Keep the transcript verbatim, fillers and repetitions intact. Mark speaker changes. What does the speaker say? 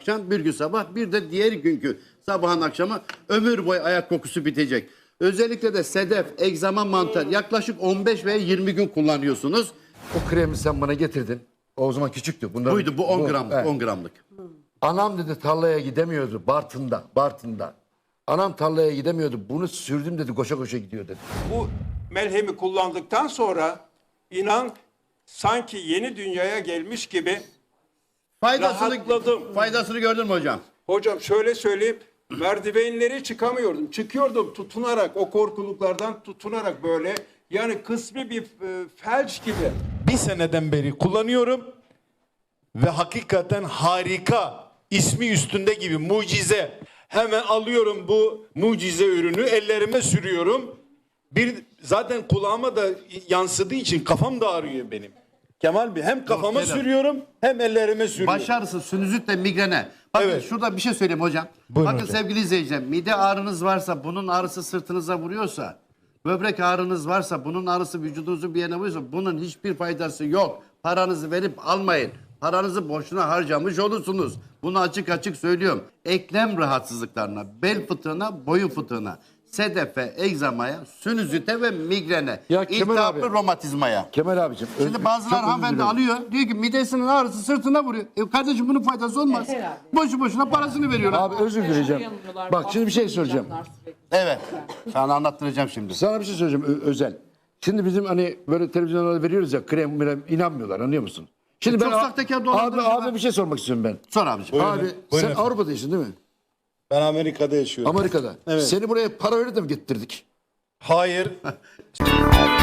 Speaker 1: yapacaksın. Bir gün sabah, bir de diğer günkü sabahın akşamı ömür boyu ayak kokusu bitecek. Özellikle de sedef, egzama, mantar yaklaşık on beş veya yirmi gün kullanıyorsunuz.
Speaker 2: O kremi sen bana getirdin. O zaman küçüktü. Bunların,
Speaker 1: Buydu bu on gramlık,
Speaker 2: evet.
Speaker 1: on gramlık.
Speaker 2: Anam dedi tarlaya gidemiyordu Bartın'da, Bartın'da. Anam tarlaya gidemiyordu. Bunu sürdüm dedi, koşa koşa gidiyor dedi.
Speaker 3: Bu melhemi kullandıktan sonra inan sanki yeni dünyaya gelmiş gibi
Speaker 1: Faydasını,
Speaker 3: rahatladım.
Speaker 1: faydasını gördün mü hocam?
Speaker 3: Hocam şöyle söyleyeyim, merdivenleri çıkamıyordum. Çıkıyordum tutunarak, o korkuluklardan tutunarak böyle. Yani kısmi bir e, felç gibi.
Speaker 4: Bir seneden beri kullanıyorum ve hakikaten harika, ismi üstünde gibi mucize. Hemen alıyorum bu mucize ürünü, ellerime sürüyorum. Bir zaten kulağıma da yansıdığı için kafam da ağrıyor benim. Kemal Bey, hem kafama
Speaker 1: Kenan.
Speaker 4: sürüyorum hem ellerime sürüyorum.
Speaker 1: Baş ağrısı, sinüzitle migrene. Bakın
Speaker 4: Evet.
Speaker 1: şurada bir şey söyleyeyim hocam.
Speaker 4: Buyurun
Speaker 1: Bakın
Speaker 4: hocam.
Speaker 1: sevgili izleyiciler, mide ağrınız varsa, bunun ağrısı sırtınıza vuruyorsa, böbrek ağrınız varsa, bunun ağrısı vücudunuzun bir yerine vuruyorsa, bunun hiçbir faydası yok. Paranızı verip almayın. Paranızı boşuna harcamış olursunuz. Bunu açık açık söylüyorum. Eklem rahatsızlıklarına, bel fıtığına, boyun fıtığına, sedefe, egzamaya, sinüzite ve migrene,
Speaker 2: Ya Kemal
Speaker 1: iltihaplı
Speaker 2: abi.
Speaker 1: romatizmaya.
Speaker 2: Kemal abicim.
Speaker 1: Şimdi
Speaker 2: öz-
Speaker 1: bazılar
Speaker 2: çok özür
Speaker 1: hanımefendi
Speaker 2: dilerim.
Speaker 1: alıyor. Diyor ki midesinin ağrısı sırtına vuruyor. E kardeşim bunun faydası olmaz. Boşu boşuna parasını veriyorlar.
Speaker 2: Abi özür dileyeceğim. Bak şimdi bir şey söyleyeceğim.
Speaker 1: Evet. Sana anlattıracağım şimdi.
Speaker 2: Sana bir şey söyleyeceğim Ö- Özel. Şimdi bizim hani böyle televizyonlarda veriyoruz ya krem krem inanmıyorlar anlıyor musun? Şimdi
Speaker 1: E, çok
Speaker 2: ben
Speaker 1: sahtekar
Speaker 2: abi,
Speaker 1: dolandırıcı
Speaker 2: abi
Speaker 1: ben.
Speaker 2: bir şey sormak istiyorum ben.
Speaker 1: Sor abiciğim.
Speaker 4: Buyurun.
Speaker 2: Abi
Speaker 4: Buyurun
Speaker 2: sen
Speaker 4: efendim.
Speaker 2: Avrupa'daysın değil mi?
Speaker 4: Ben Amerika'da yaşıyorum.
Speaker 2: Amerika'da.
Speaker 4: Evet.
Speaker 2: Seni buraya para verip de mi getirdik?
Speaker 4: Hayır.